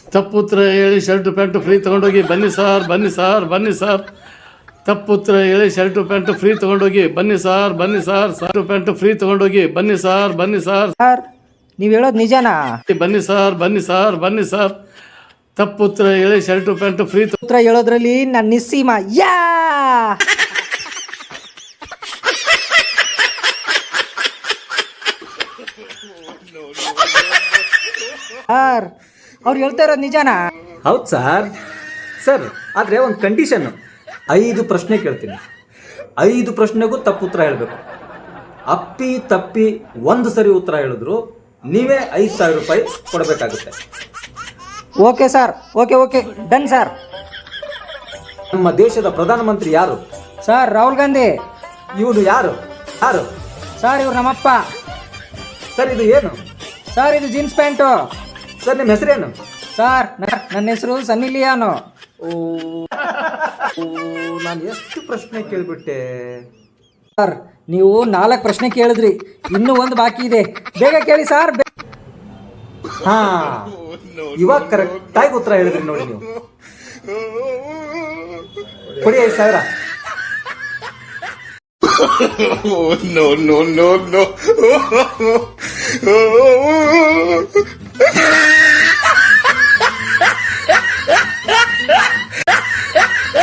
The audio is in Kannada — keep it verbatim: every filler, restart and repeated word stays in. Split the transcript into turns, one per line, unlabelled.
ತಪ್ಪುತ್ರ ಹೇಳಿ ಶರ್ಟು ಪ್ಯಾಂಟು ಫ್ರೀ ತೊಗೊಂಡೋಗಿ ಬನ್ನಿ ಸಾರ್ ಬನ್ನಿ ಸಾರ್ ಬನ್ನಿ ಸಾರ್ ತಪ್ಪುತ್ರ ಹೇಳಿ ಶರ್ಟು ಪ್ಯಾಂಟು ಫ್ರೀ ತೊಗೊಂಡೋಗಿ ಬನ್ನಿ ಸಾರ್ ಬನ್ನಿ ಸಾರ್ ಶರ್ಟು ಪ್ಯಾಂಟು ಫ್ರೀ ತೊಗೊಂಡೋಗಿ ಬನ್ನಿ ಸಾರ್ ಬನ್ನಿ ಸಾರ್
ಸರ್ ನೀವು ಹೇಳೋದು ನಿಜನಾ?
ಬನ್ನಿ ಸಾರ್ ಬನ್ನಿ ಸಾರ್ ಬನ್ನಿ ಸಾರ್ ತಪ್ಪುತ್ರ ಹೇಳಿ ಶರ್ಟು ಪ್ಯಾಂಟು ಫ್ರೀ
ಉತ್ತರ ಹೇಳೋದ್ರಲ್ಲಿ ನಾನು ನಿಸ್ಸೀಮ. ಯಾ ಸರ್ ಅವ್ರು ಹೇಳ್ತಾ ಇರೋದು ನಿಜನಾ?
ಹೌದು ಸರ್. ಸರ್ ಆದರೆ ಒಂದು ಕಂಡೀಷನ್ನು, ಐದು ಪ್ರಶ್ನೆ ಕೇಳ್ತೀನಿ, ಐದು ಪ್ರಶ್ನೆಗೂ ತಪ್ಪು ಉತ್ತರ ಹೇಳಬೇಕು. ಅಪ್ಪಿ ತಪ್ಪಿ ಒಂದು ಸರಿ ಉತ್ತರ ಹೇಳಿದ್ರು ನೀವೇ ಐದು ಸಾವಿರ ರೂಪಾಯಿ ಕೊಡಬೇಕಾಗುತ್ತೆ.
Okay sir, okay okay done sir.
ನಮ್ಮ ದೇಶದ ಪ್ರಧಾನಮಂತ್ರಿ ಯಾರು?
ಸರ್ ರಾಹುಲ್ ಗಾಂಧಿ.
ಇವನು ಯಾರು? ಯಾರು
ಸರ್ ಇವ್ರು ನಮ್ಮಪ್ಪ.
ಸರ್ ಇದು ಏನು?
ಸರ್ ಇದು ಜೀನ್ಸ್ ಪ್ಯಾಂಟು.
ಸರ್ ನಿಮ್ಮ ಹೆಸರೇನು?
ಸರ್ ನನ್ನ ಹೆಸರು ಸನ್ನಿ ಲಿಯಾನು.
ಓ ನಾನು ಎಷ್ಟು ಪ್ರಶ್ನೆ ಕೇಳಿಬಿಟ್ಟೆ.
ಸರ್ ನೀವು ನಾಲ್ಕು ಪ್ರಶ್ನೆ ಕೇಳಿದ್ರಿ, ಇನ್ನೂ ಒಂದು ಬಾಕಿ ಇದೆ, ಬೇಗ ಕೇಳಿ ಸರ್.
ಹಾ ಇವಾಗ ಕರೆಕ್ಟಾಗಿ ಉತ್ತರ ಹೇಳಿದ್ರಿ ನೋಡಿ. ನೀವು ಕೊಡಿ ಐದು ಸಾವಿರ.
no, no, no, no.